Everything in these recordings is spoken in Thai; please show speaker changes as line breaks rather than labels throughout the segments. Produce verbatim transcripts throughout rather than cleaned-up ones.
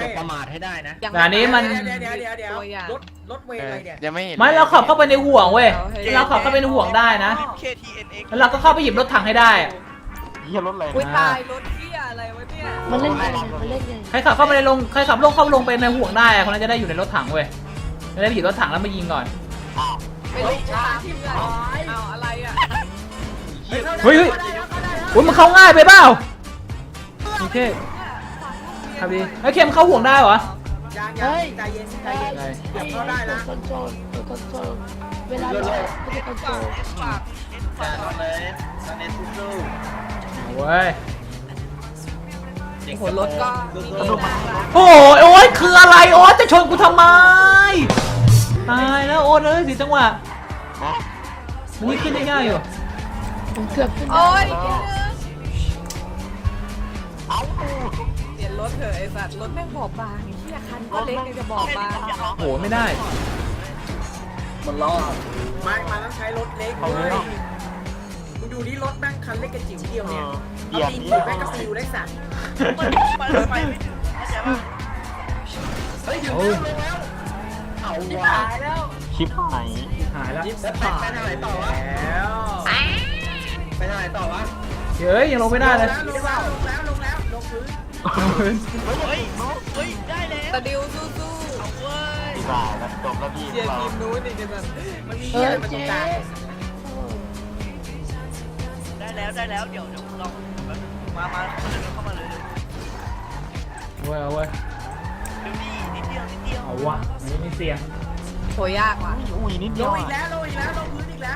บประมาทให้ได้นะ
แต่อันนี้มัน
เดี๋ยวเดี๋ยวเดี๋ยวเดี๋ยวรถรถเวย์อะไรเนี่ย
ยังไม่เห็น
ไม่เราขับเข้าไปในห่วงเว้ยเราขับเข้าไปในห่วงได้นะ
เค ที เอ็น เอ็กซ์
แล้วเราก็เข้าไปหยิบรถถังให้ได้
เฮียรถอะไร
อุ้ยตายรถเที่ยอะไรวะเนี่ย
มันเล่นไงมันเล่นไง
ใครขับเข้าไปในลงใครขับลงเข้าลงไปในห่วงได้คนนั้นจะได้อยู่ในรถถังเว้ยจะได้หยิบรถถังแล้วมายิงก่อน
ไม่รู้ช้าที่เพื่อนเอาอะไรอ่ะ
เฮ้ยเฮ้ยอุ้ยมันเข้าง่ายไปเปล่าโอเคครับดีเฮ้ยเค็มเข้าห่วงได้เหรอ
ยังยั
เฮ้
ง
ย
ใจเย็นใจ
ไอ้
เย็น
ไอ้ตัวคอนโทรลตัวคอนโทรลเวลาเราไม่ได้คอนโทรล
จ่าตอนเลยตอนนี้สู้
เว้ย
ๆ
โอ้โหรถก็มีน่ารัก
โอ้ยโอ้ยคืออะไรโอ๊ยจะชนกูทำไมตายแล้วโอ๊ยเอ้ยสิจังหวะมันนี่ขึ้นได้ง่ายอยู่
ผมเกือบขึ้น
โอ้ยนิดนึงเปลี่ยนรถเถอะไอ้สัตว์รถแม่งบอบบางไอ้เหี้ยคันก็เล็กยังจะบอบบาง
โหไม่ได้
มันล้อ
ไม่มาต้องใช้รถเล็กเลยมึงดูนี่รถแม่งคันเล็กกระจิ๋วเดียวเนี่ยเอาตีนแม่งก็ฟิวได้สัตว์
ไปไม่ถึงเข้าใจป่ะ
เฮ้ยถึง
โอ้ย
แล้วเอาว่ะ
ชิปไหน
หายแล้ว
ยิบแล้วไปไปทางไหนต่อวะ
แล้ว
ไปทางไหนต่อวะ
เฮ้ยยังลงไม่ได้เลย
ลงแล้วลงแล้วลงแล้วลงพื้น
เฮ้ยเฮ้ยได้แล้ว
ตะดิวสู้
เอาเว้ยพี่บ่าวแล้วจบแล้วพี่
ๆเชียร์ทีมนู้นนี่กันแบบ
มันมี
เอ
เหี้ย
อ
อะไรมาตร
เจ๊
งกลาง
ได้แล้วได้แล้วเดี๋ยวเดี๋ยวลองมามาเข้ามาเลยเข้ามาเลย
เว้ยเอาเว้ย
เดี๋ยวนี้นิดเดียวนิดเดียว
เอาวะอันนี้มีเสียง
โหยากว่ะ
อุ้ยนิด
ล
เดียว
งอีกแล้วลงอีกแล้วลงพื้นอีกแล้ว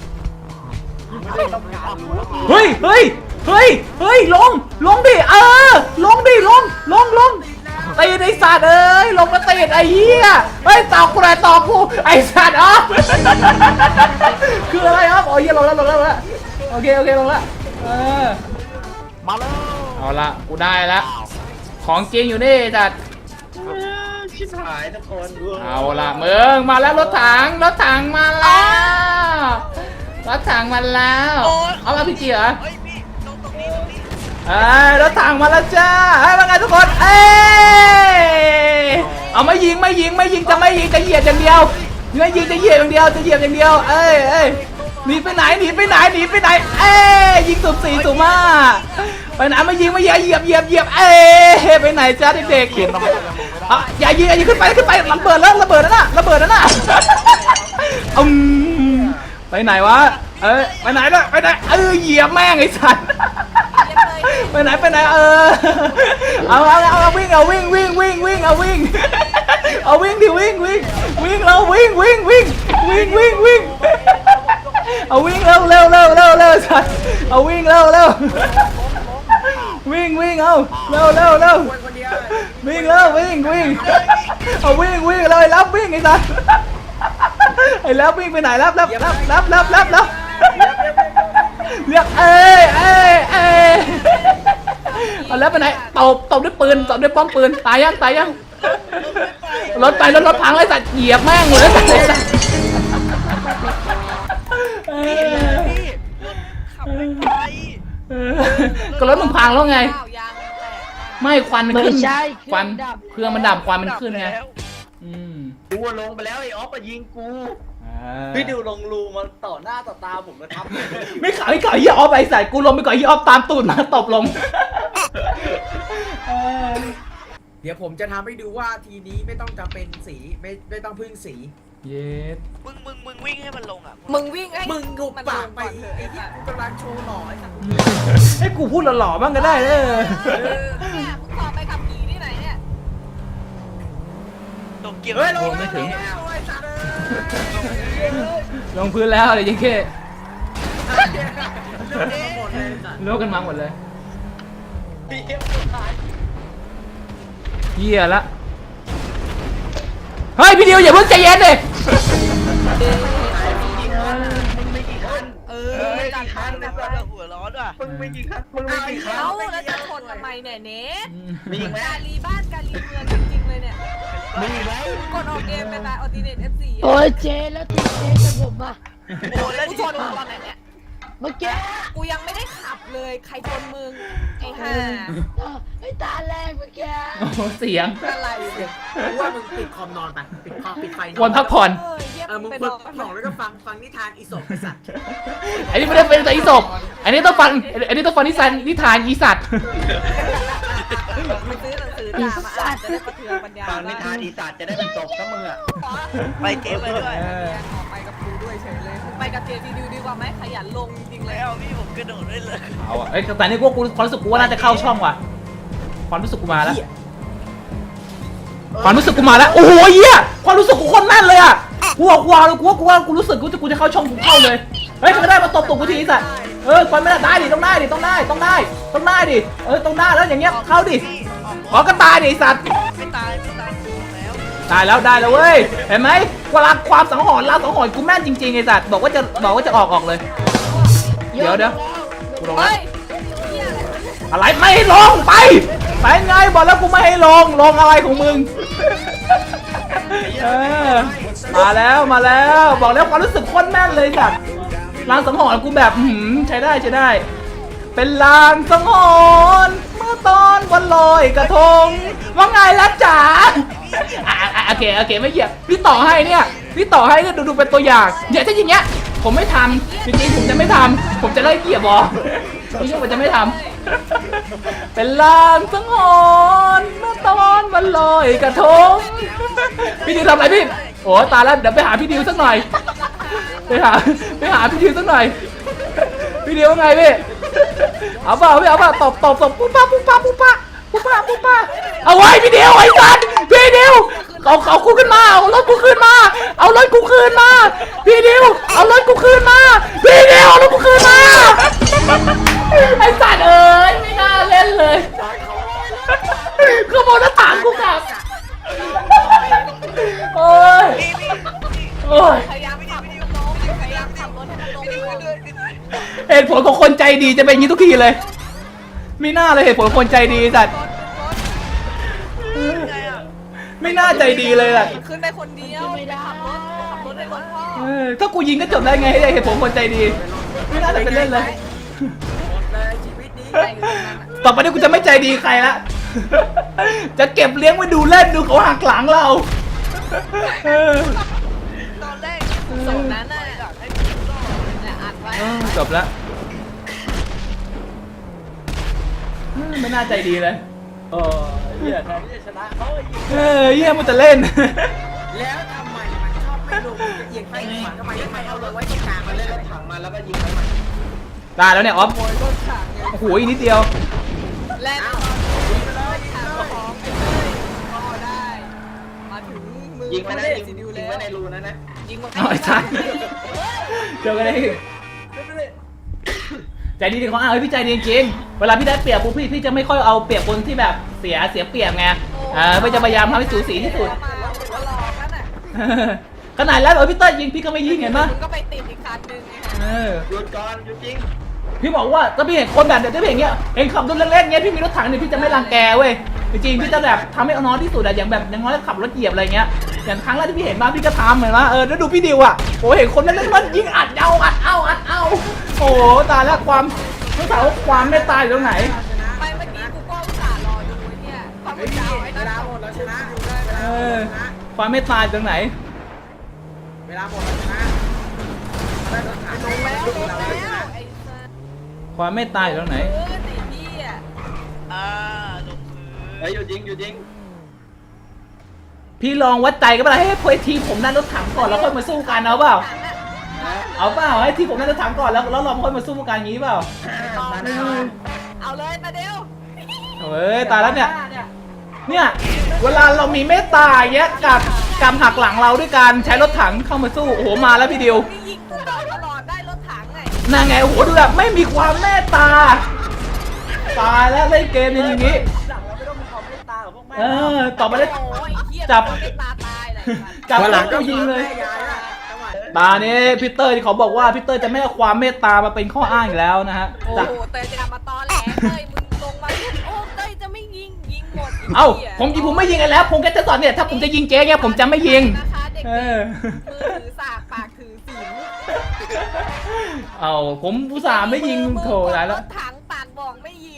เฮ้ยเฮ้ยเฮ้ยเฮ้ยลงลงดิเออลงดิลงลงลงตีไอ้สัตว์เอ้ยลงมาตีไอ้เหี้ยเฮ้ยตอกกูเลยตอกกูไอ้สัตว์อ๋อคืออะไรครับอ๋อเหี้ยลงแล้วลงแล้วลงแล้วโอเคโอเคลงแล้วเออ
มาแล้ว
เอาละกูได้ละของจริงอยู่นี่จัด
ชิบหายทุกคน
เอาละมึงมาแล้วรถถังรถถังมาแล้วรถถังมาแล้วเอามาพี่จีเหรอ
เฮ้ยพี่ตรงตรงนี้ตรงนี้
เอ้ยรถถังมาแล้วจ้าเฮ้ยว่าไงทุกคนเอ้ยเอาไม่ยิงไม่ยิงไม่ยิงจะไม่ยิงจะเหยียบอย่างเดียวไม่ยิงจะเหยียบอย่างเดียวจะเหยียบอย่างเดียวเอ้ยเอ้ยหนีไปไหนหนีไปไหนหนีไปไหนเอ้ยยิงสุ่มสี่สุ่มห้าไปไหนไม่ยิงไม่ยิงเหยียบเหยียบเหยียบเอ้ยไปไหนจ้าเด็กๆ
เขียนทำไมยังลงไม่ได้
อ่ะอย่ายิงอย่ายิงขึ้นไปขึ้นไประเบิดแล้วระเบิดแล้วน่ะระเบิดแล้วน่ะอืมไปไหนวะเอ้ยไปไหนล่ะไปไหนเออเหยียบแม่งไอ้สัตว์ไปไหนไปไหนเออเอาเอาเอาเอาวิ่งเอาวิ่งวิ่งวิ่งวิ่งเอาวิ่งเอาวิ่งดิวิ่งวิ่งวิ่งเราวิ่งวิ่งวิ่งวิ่งวิ่งวิ่งเอาวิ่งเร็วเร็วเร็วเร็วเร็วสัตว์เอาวิ่งเร็วเร็ววิ่งวิ่งเอาเร็วเร็วเร็ว
คนคนเดียว
วิ่งแล้ววิ่งวิ่งเอาวิ่งวิ่งเลยรับวิ่งไอ้สัสไอ้รับวิ่งไปไหนรับรับรับรับรับรับรับเรียกเอ้ยเอ้ยเอ้ยเอาแล้วไปไหนตบตบด้วยปืนตบด้วยป้อมปืนตายยังตายยังรถไปรถรถพังเลยสัตว์เหยียบแม่งเลยสัตว์เลยสัตว์
พี่พี่ขับไม่ไป
ก็รถมึงพังแล้วไง
ข้าวยางแตก
ไม่ควันมัน
ไม่
ขึ้น
ใช่
ควันเครื่องมันดับควันมันขึ้นไง
แล้ว
อืม
กูลงไปแล้วไอ้ออฟมายิงกู
อ่า
พี่ดิวลงรูมาต่อหน้าต่อตาผมนะครับ
ไม่ขายไม่ขายยี่ออฟไอ้ใส่กูลงไปก่อนยี่ออฟตามตูดมาตบลง
เดี๋ยวผมจะทำให้ดูว่าทีนี้ไม่ต้องจำเป็นสีไม่ไม่ต้องพึ่งสี
เย็ด
มึงมึงมึงวิ่งให้มันลงอ่ะ
มึงวิ่งให้
มึงหุบ
มัน
ปาก
ลง
ไป
ก่อนเถอะ
ไอ้
ไอ้
ที่
สัตว์
กูกำลังโชว์หล่อไอ้สัตว์
ให้กูพูดหล่อๆบ้างก็ได้เออ
เออเนี่ยมึงสอบไปขับขี่ที่ไหนเนี่ย
ตกเกียร์
เฮ้ยล
โอ้
ง
ไม่ถึง
แล้วไอ้สัตว์
ลงพื้นแล้วเดี๋ยวยิงแค่
เอ้ยหมดเลยสัตว์
โลกกันมาหมดเลย
พี่เอฟสุดท้าย
เหี้ยละเฮ้ยพี่ดิวอย่าเพิ่งใจเย็นเลย
มึงไม่กี่คัน
เอ
เอ
อ
อไม่
จัด
กี่คัน
แล้
นะ
ว
ค
ก็
รับ
หัวร้อนว่ะ
มึงไม่กี่คันมึงไม่กี่คัน
เอ้าแล้วจะชนทำไมเนี่ยเนท
มีอีกไหม
กาลีบ้านกาลีเมืองจริงๆเลยเนี่ย
มีอีกไหม
กดออกเกมไปตายออติเนตเอฟซี
โอ้ยเจ๊แล้วตีเจ๊กับผมอ่ะ
โอ้แล้ว
กู
ที่
ชนมึงตอนไหนเนี่ย
เมื่อกี้
กูยังไม่ได้ขับเลยใครชนมึงไอ้ห่า
ไอ้ตาแรกเมื่อกี้
โอ้โหเสียง
อะไร
กูว่ามึงปิดคอมนอนไปปิดคอมปิดไฟน
ควรพักผ่อน
เออเยี่ยม
เออมึง
ไป
เปิ
น
ด
อน
ของแล้วก็ฟังฟังนิทานอีสปไอ้สัตว์
อันนี้ไม่ได้เป็นแต่อีศพอันนี้ต้องฟังอันนี้ต้องฟังนิทานนิทานอีสัตว์
มึงซื้อหนังสือด่ามาอ่านจะได้ประเทืองปัญญา
ฟังนิทานอีสานจะได้เป็นศพทั้งมึงอ่ะ
ไปเจ๊ไปด้วย
เออ
ออกไปกับกูด้วยเฉยเลยไปกับเจดีดิวดีกว่าไหมขยันลงจริงๆเลย
แล้วพี่ผมกระโดดได้เลย
เอาอะเอ้ยแต่นี่กูกูความรู้สึกกูว่าน่าจะเข้าช่องว่ะความรู้สึกกูมาแล้วความรู้สึกกูมาแล้วโอ้โหเหี้ยความรู้สึกกูโคนแน่นเลยอ่ะกูบอกกูเอาเลยกูว่ากูว่ากูรู้สึกกูจะกูจะเข้าช่องกูเข้าเลยเฮ้ยทำไมได้มาตบตบกูทีสัตว์เออควรไม่ได้ได้ดิต้องได้ดิต้องได้ต้องได้ต้องได้ดิเออต้องได้แล้วอย่างเงี้ยเข้าดิขอกระตายดิไอ้สัตว์
ไม่ตายไม่ตายแล้ว
ได้แล้วได้แล้วเว้ยเห็นไหมเวลาความสังหรณ์ลาสังหรณ์กูแม่นจริงๆไอ้สัตว์บอกว่าจะบอกว่าจะออกออกเลยเดี๋ยวเดี๋ยวกูลงแล้ว
เฮ้ยเหี้ยอะไร
อะไรไม่ให้ลงไปไปไงบอกแล้วกูไม่ให้ลงลงอะไรของมึงเออมาแล้วมาแล้วบอกแล้วความรู้สึกโคตรแม่นเลยจัดลางสังหรณ์กูแบบหืมใช้ได้ใช้ได้ เป็นลางสังหรณ์เมื่อตอนวันลอยกระทงว่าไงล่ะจ๋าอ่ะอ่ะโอเคโอเคไม่เหยียบพี่ต่อให้เนี่ยพี่ต่อให้เนี่ยดูดูเป็นตัวอย่างเนี่ยถ้าอย่างเงี้ยผมไม่ทำจริงๆผมจะไม่ทำผมจะไล่เหยียบบอพี่ช่วยผมจะไม่ทำเป็นลางสังหรณ์เมื่อตอนวันลอยกระทงพี่ดิวทำอะไรพี่โอ้ตายแล้วเดี๋ยวไปหาพี่ดิวสักหน่อยไปหาไปหาพี่ดิวสักหน่อยพี่ดิวว่าไงพี่เอาเปล่าพี่เอาเปล่าตบตบตบปุ๊บปั๊บปุ๊บปั๊บปุ๊บปั๊บปุ๊บปั๊บปุ๊บปั๊บเอาไว้พี่ดิวไอ้สัตว์พี่ดิวเอาเอากูขึ้นมาเอารถกูขึ้นมาเอารถกูขึ้นมาพี่ดิวเอารถกูขึ้นมาพี่ดิวเอารถกูขึ้นมาไอ้สัตว์เอ้ยไม่น่าเล่นเลยขโมยหน้าต่างกูกลับโอ้ยโอ้ย
พยายามขับลงพยายามขับรถให้มันลงก่อน
เหตุผลของคนใจดีจะเป็นอย่างนี้ทุกทีเลยไม่น่าเลยเหตุผลของคนใจดีสัตว์ไม่น่าใจดีเลยอ่ะ
ขึ้นไปคนเดียวไม่ได้ขับรถขับรถให้รถพ่อ
เออถ้ากูยิงก็จบได้ไงเหตุผลคนใจดีไม่น่าจะเป็นเล่นเลย
หมดเลยชีวิตนี้
ใจอยู่ตรงนั้นอะ
ต่อไปนี้กูจะไม่ใจดีใครละจะเก็บเลี้ยงไว้ดูเล่นดูเขาหักหลังเราเออ
ตอนแรก
ส่งนั้นน่ะ
อยากให้พี่ก็
เนี่ยอัดไว้
เออจบแล้วไม่น่าใจดีเลย
เออเหี้ยแทนที่จะชนะเขาไอ้ยิง
เออเยี่ยมันจะเล่น
แล้วทำไมมันชอบไม่ลงจะเอียงไปขวาทำไมไม่เอาเลยไว้ตรงกลาง
มั
มาน เล
เล่
ย
นรถถังมาแล้วก็ยิงไปมัน
ตายแล้วเนี่ยออฟ
โวยรถถังไง
โอ้โหอีกนิดเดียว
แล่นเอายิงไปเลยยิงเลยของไปเลยก็ได้ มาถึงมือ
ยิงไปนะ
เล่
ยิง
สิดิว
ยิ
แล้
ง
ว
ไว้ในรูนั้นนะ
ยิงมา
เอาไอ้สัสเจอกันได้ใจดีดีของอ้าวพี่ใจดีจริงเวลาพี่ได้เปรียบปุ๊บพี่พี่จะไม่ค่อยเอาเปรียบคนที่แบบเสียเสียเปรียบไงเออไม่จะพยายามทำให้สูสีที่สุด
มาแล้วหัวหลอกนั่นน่ะ
ขนาดแล้วเออพี่เต้ยยิงพี่ก็ไม่ยิงเห็นปะ
มึงก็ไปติดอีกคันนึงไง
เออ
หยุดก่อนหยุดยิง
พี่บอกว่าถ้าพี่เห็นคนแบบเดี๋ยวพี่เห็นเงี้ยเห็นขับรถเล่นๆเงี้ยพี่มีรถถังเนี่ยพี่จะไม่รังแกเว้ยจริงๆพี่จะแบบทำให้เอาน้อยที่สุดอะอย่างแบบอย่างน้อยขับรถเหยียบอะไรเงี้ยอย่างครั้งแรกที่พี่เห็นมาพี่ก็ทำเหมือนว่าเออแล้วดูพี่ดิวอะโอ้เห็นคนเล่นๆมันยิงอัดเอาอัดเอาอัดเอาโอ้ตายแล้วความไม่ถามว่าความไม่ตายอยู่ตรงไหน
ไปเมื่อกี้กูก็อุตส่าห์รอดูไอ้เนี่ยความ
เฮ้
ไม่
ย
ยาวไอ้
เว
นั่น
ลา
ส่ง
หมดแล้วชนะ
เออความไม่ตายอยู่ตรงไหน
เวลาหมดแล้วชนะได้รถถัง
ลงแล้วลงแล้วไอ้สัส
ความไม่ตายอยู่ตรงไหน
เออไอ้พี่อ่ะ
อ่าลงพื้น
เฮ้ยหยุดยิงหยุดยิง
พี่ลองวัดใจกันเปล่าให้พอยทีผมนั่นรถถังก่อนแล้วค่อยมาสู้กันเอาเปล่า เอาเปล่าให้ทีผมนั่นรถถังก่อนแล้วแล้วเราค่อยมาสู้กันงี้เปล่า
เอาเลยมาเดียว
เฮ้ยตายแล้วเนี่ย เนี่ยเวลาเรามีเมตตาอย่างเงี้ยกับกำหักหลังเราด้วยการใช้รถถังเข้ามาสู้โอ้โหมาแล้วพี่ดิว
นี่ยิงกูตลอดได้รถถังไง
นั่งไงโอ้โหดูแบบไม่มีความเมตตาตายแล้วเล่นเกมอย่างนี้
หลังเราไม่ต้องมีความเมตตากับพวกแม่
เออต่อไปเลย
โอ้ยเหี้ย
จับ
ไม่ตาตายเลย
จับ
วันหลัง
ก็
ก็
ยิงเลย
แม่ยายอะจังหวะ
ตานี้พีเตอร์ที่เขาบอกว่าพีเตอร์จะไม่เอาความเมตตามาเป็นข้ออ้างอีกแล้วนะฮะ
โอ้
จาก
โหเตยจะกลับมาตอแหลเตยมึงลงมาโอ้เตยจะไม่ยิงยิงหมด
เอ้าผมยิงผมไม่ยิงกันแล้ว ผมแค่จะสอนเนี่ยถ้าผมจะยิงเจ๊เนี่ยผมจะไม่ยิง
นะคะเด็ก
เอ
ๆ
อ
มือถือสากปากถือสิว
เอาผมอุตส่าห์ไม่ยิงโถ
มือ
ตายแล้ว
รถถังปากบอกไม่ยิงไงเหี้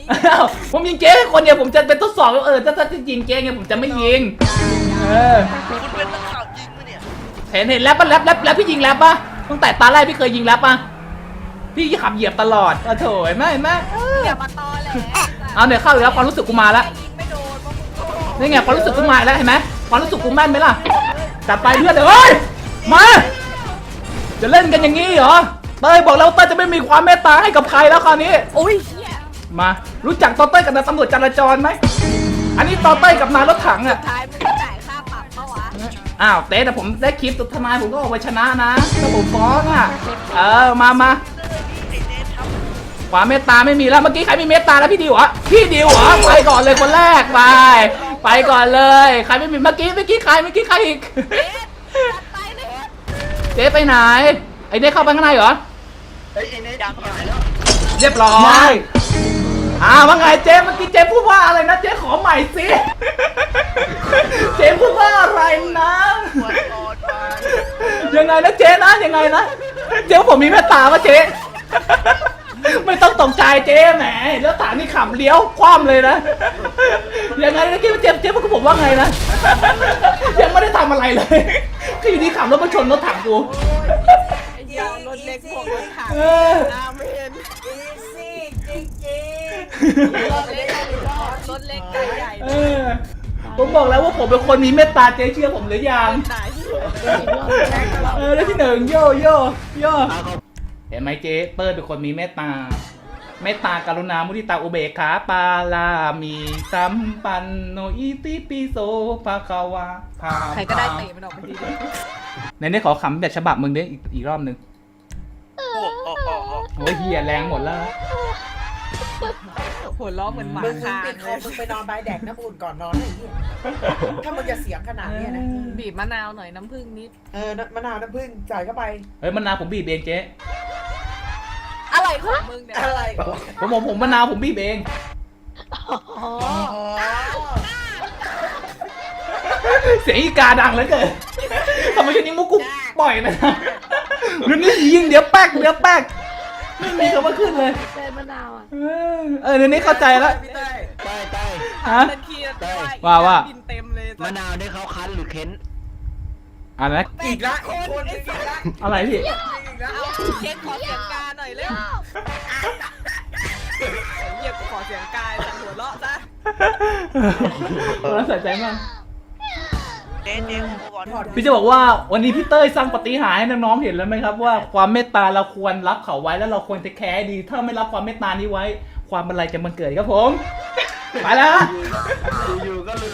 อ้าวผมยิงเจ๊คนเดียวผมจะเป็นทดสอบว่าเออถ้าถ้าจะยิงเจ๊ไงผมจะไม่ยิงเออ
คุณเป็นนักข่าวยิงปะเนี่ย
เห็นเห็นแรปปะแรปแรปแรปพี่ยิงแรปปะตั้งแต่ตาแรกพี่เคยยิงแรปปะพี่ขับเหยียบตลอดโอ้โถเห็นไหมเห็นไหมเออ
อย่ามาตอแหล
เอาเดี๋ยวเข้าอีกแล้วความรู้สึกกูมาแล้ว
ยิงไม่โดนเพราะมึงโง่
นี่ไงความรู้สึกกูมาอีกแล้วเห็นไหมความรู้สึกกูแม่นไหมล่ะจัดไปเพื่อนเฮ้ยมาจะเล่นกันอย่างนี้เหรอเต้ยบอกแล้วเต้ยจะไม่มีความเมตตาให้กับใครแล้วคราวนี้
โอ้ยเหี้ย
มารู้จักตอเต้ยกับนายตำรวจจราจรไหมอันนี้ตอเต้ยกับนายรถถังอ่ะ
สุดท้ายมึงก็จ่ายค่าปรับเมื่อวะ
อ้าวเต้แต่ผมได้คลิปตุทนายผมก็ออกไปชนะนะถ้าผมฟ้องอ่ะเออมามา
ไอ้เนททำ
ความเมตตาไม่มีแล้วเมื่อกี้ใครมีเมตตาแล้วพี่ดิวเหรอพี่ดิวเหรอไปก่อนเลยคนแรกไปไปก่อนเลยใครไม่มีเมื่อกี้เมื่อกี้ใครเมื่อกี้ใครอีก
เอ๊ะจัดไปเลย
เจ๊ไปไหนไอ้เด็กเข้าไปข้างในเหรอ
เฮ้ยไอ้เนทยังหายแล้ว
เรียบร้อยอ่าว่าไงเจ๊เมื่อกี้เจ๊พูดว่าอะไรนะเจ๊ขอใหม่สิเจ๊พูดว่าอะไรนะ
ปวดคอดมา
ยังไงนะเจ๊นะยังไงนะเจ๊ว่าผมมีเมตตาปะเจ๊ไม่ต้องตกใจเจ๊แหมแล้วถามนี่ขำเลี้ยวคว่ำเลยนะยังไงนะเจ๊เจ๊เจ๊พูดกับผมว่าไงนะยังไม่ได้ทำอะไรเลยก็อยู่ดีขับรถมาชนรถถังกู
ไอ้เหี้ยรถเล็กพวกรถถัง
เออ
น้ำไม่เห็น
อีซี่จริง
รถเล็กรถเล็กไก่ใหญ่
เออผมบอกแล้วว่าผมเป็นคนมีเมตตาเจ๊เชื่อผมหรือยัง
ไหน
เออแล้วที่หนึ่งโย่โย่โย่เห็นไหมเจ๊เปิ้ลเป็นคนมีเมตตาเมตตากรุณามุทิตาอุเบกขาปาลามีสัมปันโนอิติปิโสภะคะวะพา
ใครก็ได้เตะมันออกไปที
ในนี้ขอคำแบบฉบับมึงดิอีกอีกรอบหนึ่ง
โอ้โหโอ้โห
โอ้ยเฮียแรงหมดแล้ว
หัวล้อเหมือนหมา
ๆมึง
คาง
ปิดคอมมึงไปนอนใบแดกน้ำอุ่นก่อนนอนไอ้เหี้ยถ้ามึงจะเสียงขนาดเนี้ยนะ
บีบมะนาวหน่อยน้ำผึ้งนิด
เออมะนาวน้ำผึ้งจ่ายเข้าไป
เฮ้ยมะนาวผมบีบเองเจ๊
อะไรของมึงเนี่ย
อะไร
ผมผมผมมะนาวผมบีบเอง
อ๋อ
เสียงอีกาดังเหลือเกินทำไมช่วงนี้มุกกูปล่อยนะเรื่องนี้ยิงเดี๋ยวแป๊กเดี๋ยวแป๊กไม่มีคำว่าขึ้นเลย
เต้มะนาวอ่ะ
เออเออเดี๋ยวนี้เข้าใจแล้ว
พี่เต้ย
ใต้ใต้
ฮะ
เป็นขี้ได้
ว่าว่า
บินเต็มเลย
มะนาวได้เขาคั้นหรือเค้น
อะไรนะ
อีกละอีกคนอีกละ
อะไรพี่
อีกละ
เอาเช็คขอเสียงกาหน่อยเร็วเหยียบขอเสียงกายจากหัวเราะซะ
น่าสนใจมาก
เนทเนทผมก่อน
พี่จะบอกว่าวันนี้พี่เต้ยสร้างปาฏิหาริย์ให้น้องๆเห็นแล้วไหมครับว่าความเมตตาเราควรรับเขาไว้แล้วเราควรจะแคร์ดี ถ้าไม่รับความเมตตานี้ไว้ ความบันไลจะมันเกิดครับผม ไปแล้ว
อยู่ๆก็เลย